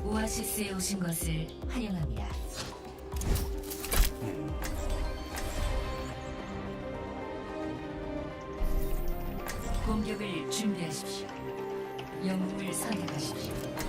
오아시스에 오신 것을 환영합니다. 공격을 준비하십시오. 영웅을 선택하십시오.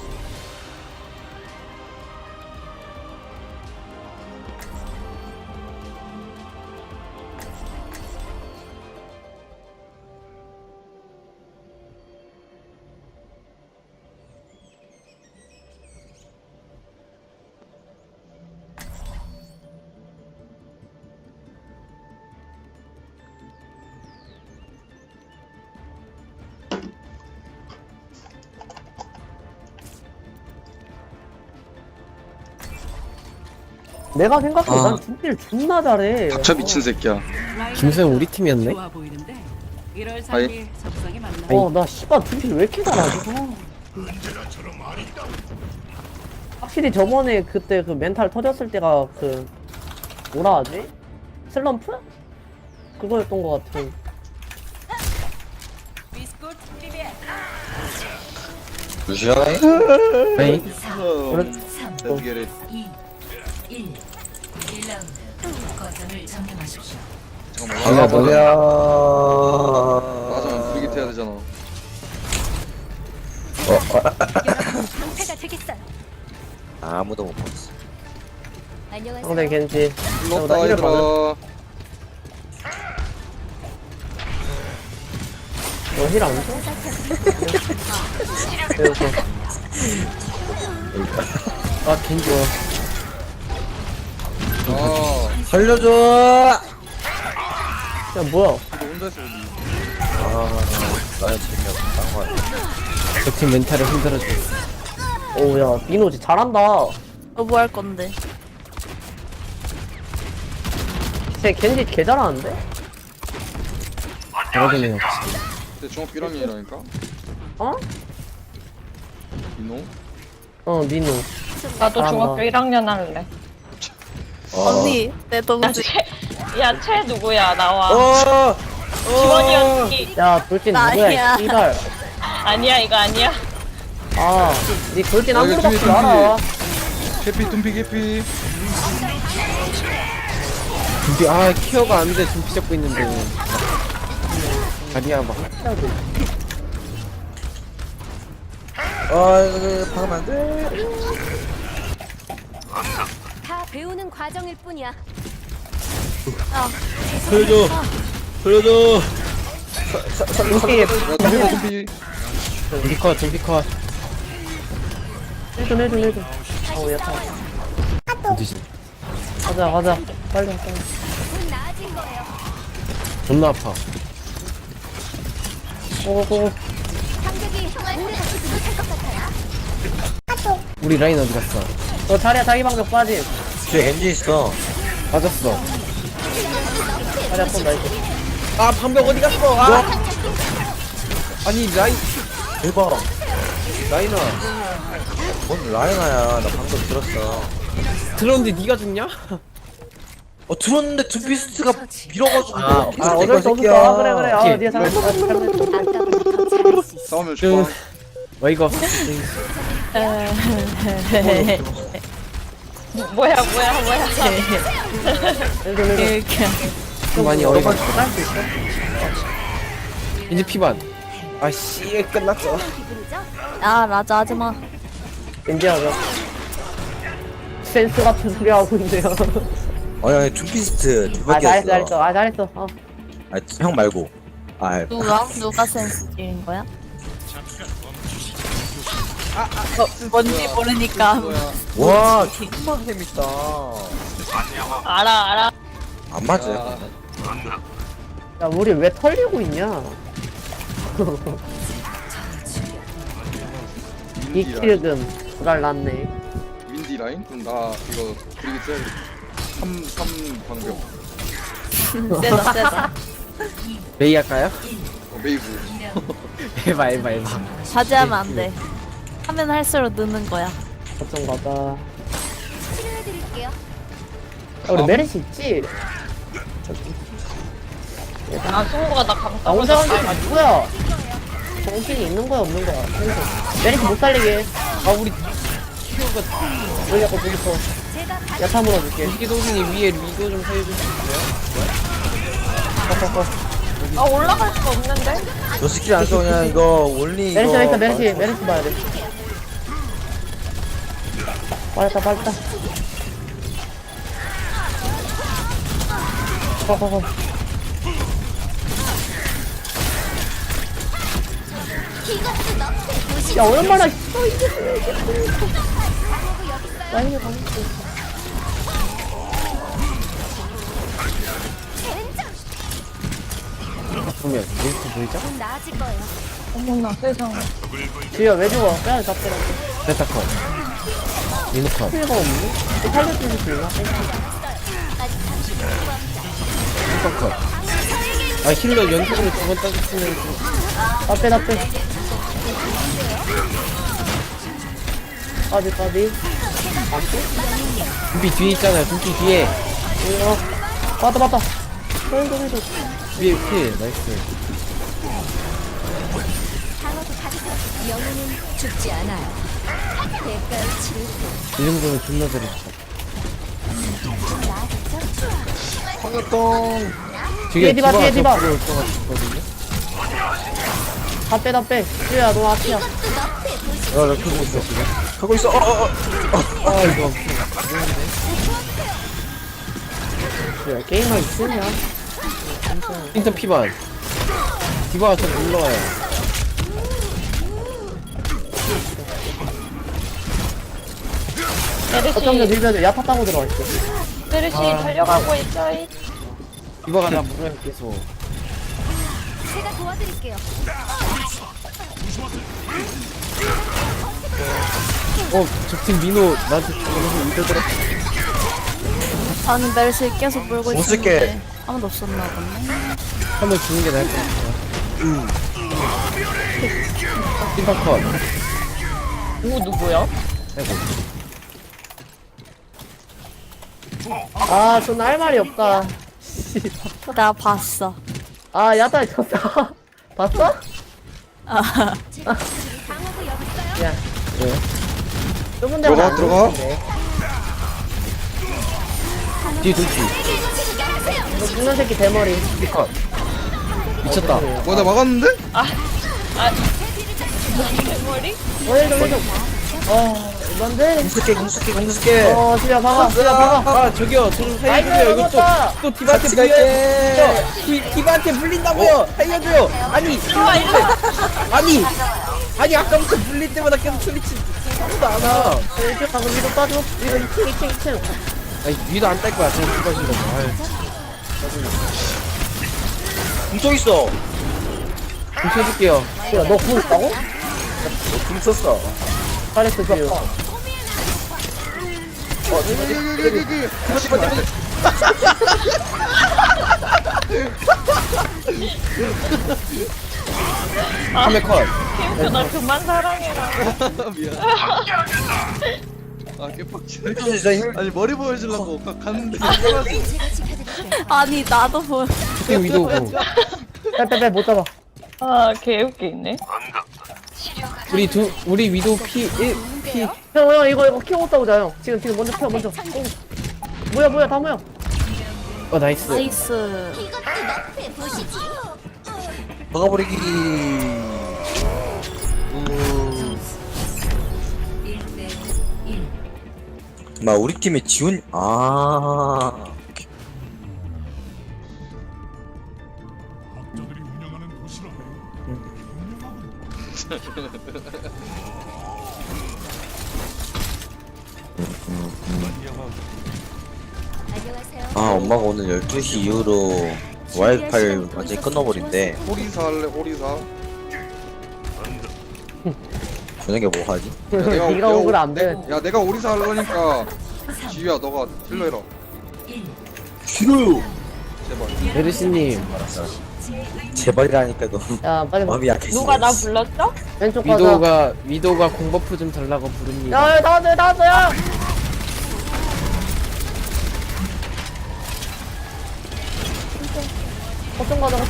내가 생각해 난 준비를 존나 잘해. 닥쳐 미친 새끼야. 김소영 우리 팀이었네? 좋아 보이는데 1월 아이. 3일 적성이 맞나? 나 씨발 준비를 왜 이렇게 잘하지? 확실히 저번에 그때 그 멘탈 터졌을 때가 그 뭐라 하지? 슬럼프? 그거였던 것 같아. 비스코트 프리베. 루시아이? 아니 4, 3, Let's get it. 2, 1. 1라운드. 거점을 점령하십시오. 잠깐만. 뭐야 맞아. 브리깃 해야 되잖아. 방패가 되겠어요. 아무도 못 봤어. 안녕하세요. 상대 겐지. 불렀다 힐을 얘들아. 너힐안 줘? 그래서 아 겐지 아, 살려줘! 야 뭐야? 이거 혼자 했어 우리. 나는 재미없어. 딴거 같아. 저팀 멘탈을 흔들어줘. 오야 민호지 잘한다. 너 뭐 할 건데? 쟤 겐지 개 잘하는데? 잘하긴 해요 역시. 근데 중학 1학년이라니까? 어? 민호? 민호. 나도 잘한다. 중학교 1학년 할래. 언니, 내 동생. 야, 채 누구야? 나와. 어! 지원이 언니. 야 돌진 누구야? 나야. 씨발. 아니야, 이거 아니야. 니 돌진 아, 한 이거 번밖에 tum피, 알아. 캐피 둠피 캐피. 준비 케어가 안돼. 준비 잡고 있는데 다리야 막 이거 박으면 안 돼. 다 배우는 과정일 뿐이야. 살려줘! 살려줘! 이게 야 둠피 둠피. 준비 컷 해줘. 어우 야타. 어디지? 가자. 빨리. 곧 나아진 거예요. 존나 아파. 고고고. 상대기 오래 같이 못할 것 같아요. 우리 라인 어디 갔어? 너 자리야 자기 방벽 빠짐. 뒤에 겐지 있어. 빠졌어. 자리야 또 나이스. 아 방벽 어디 갔어? 아니 라인 대박. 라인아 뭔 라이나야. 나 방금 들었어. 들었는데 네가 죽냐? 들었는데 둠피스트가 밀어가지고. 어쩔 수 없어. 그래. 오케이. 니가 잘했어. 아까부터 잘할 수 있어. 싸우면 좀 죽어. 와 이거 뭐야. 좀 많이 어이가 없어. 할수 있어. 이제 피반. 아씨 끝났어. 기분이죠? 아, 라자 하지마. 겐지하자. 센스 같은 소리 하고 있네요. 아니, 둠피스트 대박이었어. 잘했어. 형 말고. 누가 센스질인 거야? 뭔지 모르니까. 와, 정말 재밌다. 알아. 안 맞아. 야 우리 왜 털리고 있냐? 이 킬은 불알 났네. 윈디 라인? 그럼 나 이거 브리깃 써야겠다. 3 방벽. 세다. 메이 할까요? 메이브. 에바. 자제하면 안 돼. 하면 할수록 느는 거야. 걱정 마다. 치료해드릴게요. 우리 메리시 있지? 승우가 나 나 감싸고 혼자 가는 게 누구야? 정신이 있는 거야 없는 거야? 메리시 못 살리게. 우리 키우가 왜 자꾸 부딪혀. 야타 물어줄게. 이기 동생이 위에 위도 좀 살려줄 수 있어요? 아 올라갈 수가 없는데? 너 스킬 안 써, 그냥 이거 올리 이거. 메르시 봐야 돼. 빨렸다. 거. 야, 얼마나 있어, 이게. 라인을 가고 있어. 보면 릴스 보이죠? 어머나 세상에. 지효, 왜 죽어? 빼야 잡더라. 베타컷 리노컷 필요가 없니? 살려줄 수 있나? 슈퍼컷 아 힐러 연속으로 2번 따졌으면 좀 나 빼. 까비. 준비 뒤에 있잖아요 준비 뒤에 맞다. 헬도. 위에 피 나이스 이 정도면 존나 잘했어 황역동. 뒤에 디바. 들어올 것 같거든요 다 빼. 지효야, 너 앞이야. 야, 나 크고 있어. 하고 있어. 아 이거 지효야, 게임만 있으냐? 인턴 피반 디바가 좀 올라와요 어쩜 메르시 밀면 야타 따고 들어가 있어. 메르시 달려가고 있어요. 디바가 나 물어요 계속 제가 도와드릴게요. 적팀 민호 나한테 죽어서 이대 들어 저는 멜시 계속 물고 못 쓸게. 있었는데 아무도 없었나 보네. 한번 주는 게 나을 것 같아요 슈퍼컷 누구야? 아이고 아, 전 할 말이 없다. 나 봤어. 아, 야타 졌다. 봤어? 야, 왜? 좁은 데만 안 들어가. 들어오는데. 뒤에 돌지 너 죽는 새끼 대머리. 컷 미쳤다 나 막았는데? 대머리? 좀. 이건데? 공수게. 지효야, 박아. 아 저기요 저 좀 살려줘요 나이스, 이거 먹었다. 또 디바한테 같이 갈게. 디바한테 물린다고요 살려줘요 아니 아까부터 물릴 때마다 계속 소리치 아무도 안와 이렇게 가고 위로 빠져. 위로 2층. 아니 위도 안 딸 거야 저는 디바 신다고 공속 있어. 좀 쳐줄게요 야, 너 구울 있다고? 공 썼어. 잘했어, 지효. 카메 컷 캠프 나 그만 사랑해라. 미안. 아 개빡치네. 진짜 힘. 아니 머리 보여주려고 갔는데. 아니 나도 보여. 적팀 위도 오고 빼, 못 잡아. 아 개웃기네. 우리 위도 P1 형, 이거 키워 싸우자, 형. 지금 먼저 펴, 먼저. 뭐야, 다 모여. 나이스 나이스. 막아버리기. 1대 1. 막 우리 팀에 지훈. 엄마가 오늘 12시 이후로 와이파이 완전히 끊어버린대. 오리사 할래 오리사. 저녁에 뭐 하지? 네가 오글 안 돼. 야 내가 오리사 하려니까 지유야 너가 힐러 해라. 1. 싫어요. 제발. 메르시님 제발이라니까 너 야, 빨리 마음이 약해지네. 누가 나 불렀어? 왼쪽 가자. 위도가 공버프 좀 달라고 부릅니다 야, 다 왔어요. 거점 가자.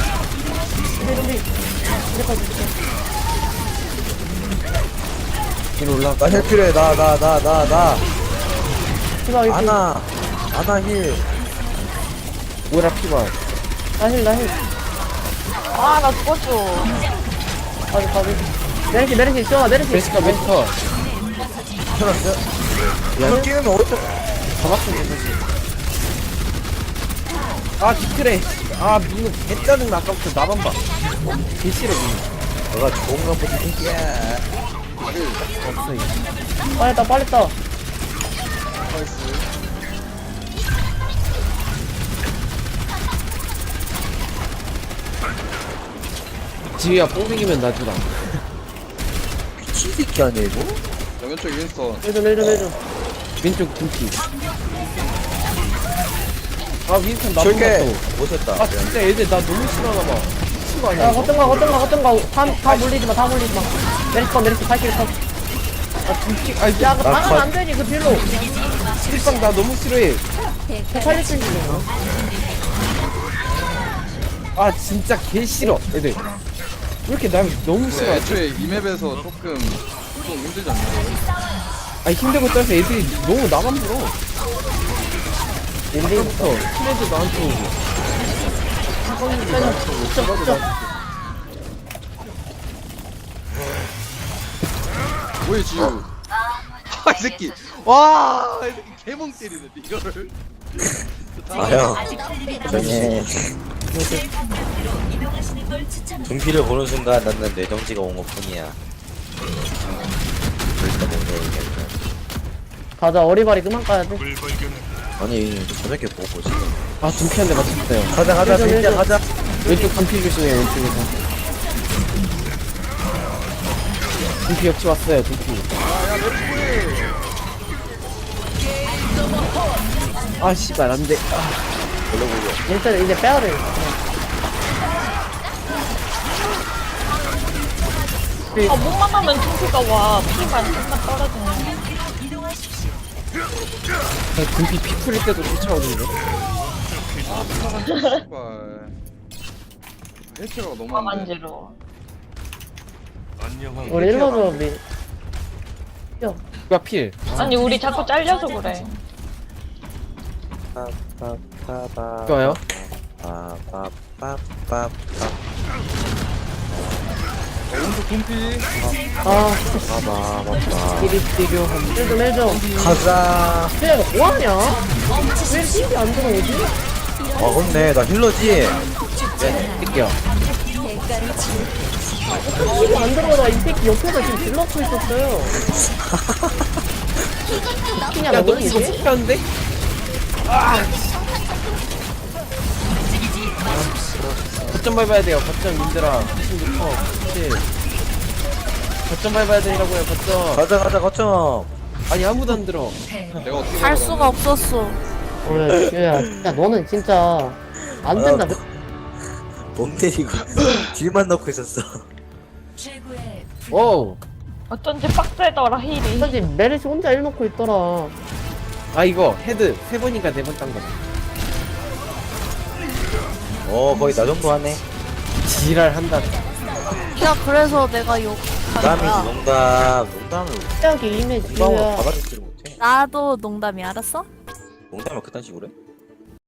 준비. 이제까지. 뒤로 올라가. 나힐 필요해. 나. 피바 위 아나 힐. 오라 피바. 나힐 아, 나 죽었어. 가비 메르시 지원아 메르시 베스카 멘터. 틀었어? 이걸 끼우면 어쩌? 잡았어 괜찮지. 아 디크래. 아 민우 개짜증나 아까부터 나만 봐. 개 싫어 민우. 너가 좋은 건 보지 새끼야. 없어 이거. 빨리 했다 지휘야 뽕생기면 놔주라. 미친 새끼 아니야 이거? 왼쪽 윈스턴. 해줘 왼쪽 등기. 아 윈스턴 나쁜 줄게. 것도. 오셨다. 아 진짜 애들 나 너무 싫어하나 봐. 친구 아니야? 야 이거? 거뜬 거 다 물리지마 메르시 발키리 컷 아 등기. 아니 야, 그거 나 당하면 안 되지, 그 딜로. 실빵 나 너무 싫어해. 더 살릴 수 있는 거. 아 진짜 개 싫어 애들. 왜 이렇게 날 너무 근데 싫어하지? 애초에 이 맵에서 조금 힘들지 않나요? 아니 힘들고 떠서 애들이 너무 나만 불어. 옛날부터 트레드 나한테 오고. 뭐야 지우? 아이 새끼. 와, 이 새끼 개멍 때리네 이거를. 아형 조용해. 등피를 보는 순간 나는 뇌정지가 온 것뿐이야. 그러니까 뭔가 얘기하니까. 가자, 어리바리 그만 가야 돼. 아니 저녁에 보고 지금. 아 등피한테 맞췄어요. 가자 해줘, 진짜 해줘. 가자. 왼쪽 등피 조심해 왼쪽에서. 등피 역시 왔어요 등피. 아 씨발 안돼. 일단 이제 빼야 돼. 아, 목만 하면 tum피가 와. 피만 좀만 떨어지네. 등피 피 풀릴 때도 쫓아오는데. 씨발. 해체가 너무 아, 안 돼. 만지러. 우리 일러줘, 미. 야, 누가 필? 아니, 우리 자꾸 잘려서 그래. 좋아요. 오른쪽 둠피. 아, 띠리띠려 한. 해줘. 가자. 쟤, 뭐하냐? 왜 이렇게 안 들어오지? 아 근데 나 힐러지. 뛸게요. 이거 안 들어오다 이 새끼 옆에서 지금 질러고 있었어요. 그냥 야너 뭐니 이거 이게? 폭탄데? 거점 밟아야 돼요. 거점 민들아. 96%. 7. 거점 밟아야 된다고요. 거점. 가자 거점. 아니 아무도 안 들어. 내가 어떻게 할 먹으라고 수가 없었어. 야, 너는 진짜 안 된다. 몸 때리고 딜만 넣고 있었어. 최고의 오. 어쩐지 빡세더라, 힐이. 사실 메르시 혼자 일 놓고 있더라. 아 이거 헤드 3번인가 4번 딴 거. 거의 나 정도 하네. 지랄 한다. 야, 그래서 내가 욕. 농담이지 농담을 시작이 이미 농담을 지우야. 받아들지를 못해. 나도 농담이 알았어? 농담을 그딴 식으로 해?